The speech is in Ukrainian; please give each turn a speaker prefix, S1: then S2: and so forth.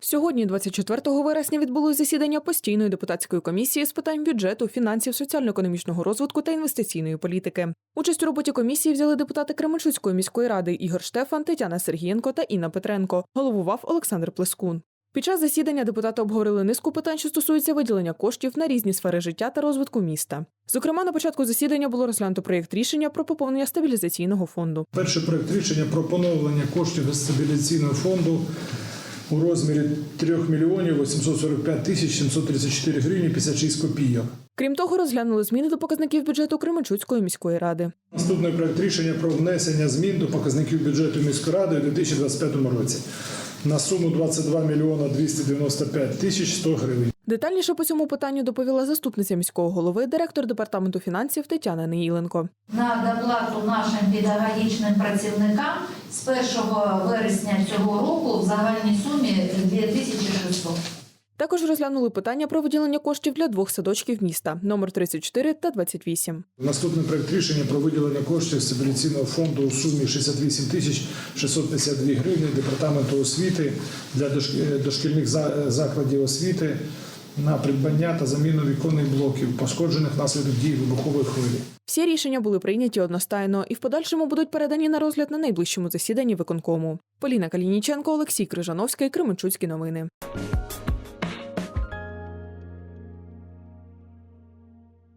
S1: Сьогодні, 24 вересня, відбулось засідання постійної депутатської комісії з питань бюджету, фінансів, соціально-економічного розвитку та інвестиційної політики. Участь у роботі комісії взяли депутати Кременчуцької міської ради Ігор Штефан, Тетяна Сергієнко та Інна Петренко. Головував Олександр Плескун. Під час засідання депутати обговорили низку питань, що стосуються виділення коштів на різні сфери життя та розвитку міста. Зокрема, на початку засідання було розглянуто проєкт рішення про поповнення стабілізаційного фонду.
S2: Перший проєкт рішення про поновлення коштів із стабілізаційного фонду у розмірі 3 мільйонів 845 тисяч 734 гривні 56 копійок.
S1: Крім того, розглянули зміни до показників бюджету Кременчуцької міської ради.
S2: Наступний проєкт рішення про внесення змін до показників бюджету міської ради у 2025 році на суму 22 мільйона 295 тисяч 100 гривень.
S1: Детальніше по цьому питанню доповіла заступниця міського голови, директор департаменту фінансів Тетяна Неїленко.
S3: На доплату нашим педагогічним працівникам з 1 вересня цього року в загальній сумі 2600.
S1: Також розглянули питання про виділення коштів для двох садочків міста – номер 34 та 28.
S2: Наступний проєкт рішення про виділення коштів з стабілізаційного фонду у сумі 68 тисяч 652 гривні департаменту освіти для дошкільних закладів освіти на придбання та заміну віконних блоків, пошкоджених внаслідок дій вибухової хвилі.
S1: Всі рішення були прийняті одностайно і в подальшому будуть передані на розгляд на найближчому засіданні виконкому. Поліна Калініченко, Олексій Крижановський, Кременчуцькі новини.